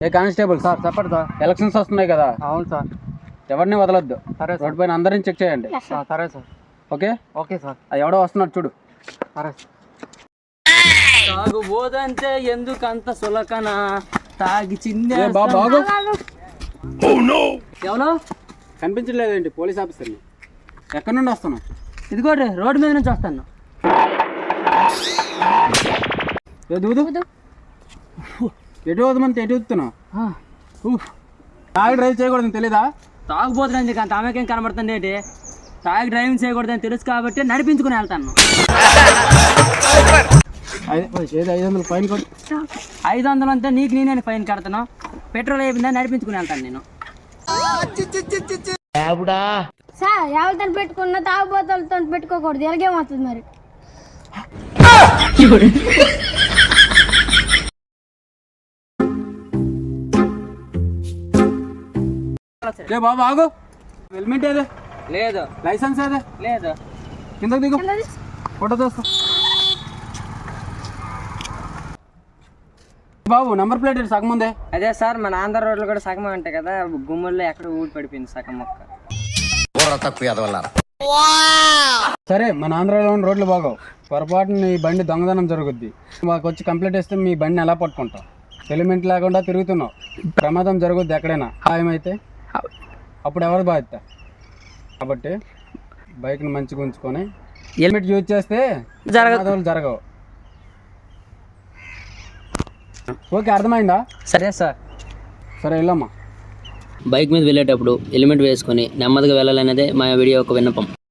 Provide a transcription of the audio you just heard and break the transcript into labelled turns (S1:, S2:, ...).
S1: ఏ constable sir చెప్పండి సార్. Elections వస్తున్నాయి కదా. అవును సార్. ఎవరిని వదలొద్దు. సరే. రోడ్ పైన అందరిని చెక్ చేయండి. సరే సార్. Okay okay sir. అది ఎవడో వస్తున్నాడు చూడు. సరే.
S2: తాగుబోదంటే ఎందుకంత సులకన తాగి చిన్న
S1: బాగు
S2: ఎవరో
S1: కనిపించలేదేంటి? పోలీస్ ఆఫీసర్ని. ఎక్కడి నుండి వస్తున్నావు?
S2: ఇదిగోటి రోడ్డు మీద నుంచి వస్తాను.
S1: ఎటు వదమంటే ఎటు వస్తున్నావు? తాగి డ్రైవ్ చేయకూడదని తెలీదా?
S2: తాగుబోతుంది కానీ ఆమెకేం కనబడుతుంది ఏంటి? తాగి డ్రైవింగ్ చేయకూడదని తెలుసు కాబట్టి నడిపించుకుని వెళ్తాను.
S1: 500 ఫైన్ కొట్టు.
S2: 500 అంతే నీకు నేనే ఫైన్ కడతాను. పెట్రోల్ అయిపోయిందని నడిపించుకుని వెళ్తాను నేను.
S3: సార్ ఎవరితో పెట్టుకున్నా తాగుబోతులతో పెట్టుకోకూడదు. ఎలాగేమవుతుంది మరి?
S1: బాబు ఆగు. హెల్మెట్ ఏదే?
S2: లేదు.
S1: లైసెన్స్ ఏదే?
S2: లేదు.
S1: కిందకు దిగు, ఫోటో తీస్తా. బాబు నెంబర్ ప్లేట్ సగం ఉందే.
S2: అదే సార్ మన ఆంధ్ర రోడ్లు కూడా సగం ఉంటాయి కదా, గుమ్మల్లో ఎక్కడ ఊడి పడిపోయింది సగం మొక్క.
S1: సరే, మన ఆంధ్రాలో ఉన్న రోడ్లు బాగోవు. పొరపాటున నీ బండి దొంగదనం జరుగుద్ది. మాకు వచ్చి కంప్లైంట్ ఇస్తే మీ బండిని ఎలా పట్టుకుంటాం? హెల్మెట్ లేకుండా తిరుగుతున్నావు, ప్రమాదం జరుగుద్ది ఎక్కడైనా. ఖాయమైతే అప్పుడు ఎవరు బాధ్యత? కాబట్టి బైక్ని మంచిగా ఉంచుకొని హెల్మెట్ యూజ్ చేస్తే జరగవు. ఓకే, అర్థమైందా?
S2: సరే సార్.
S1: సరే వెళ్ళమ్మా.
S2: బైక్ మీద వెళ్ళేటప్పుడు హెల్మెట్ వేసుకొని నెమ్మదిగా వెళ్ళాలనేదే మా వీడియో యొక్క విన్నపం.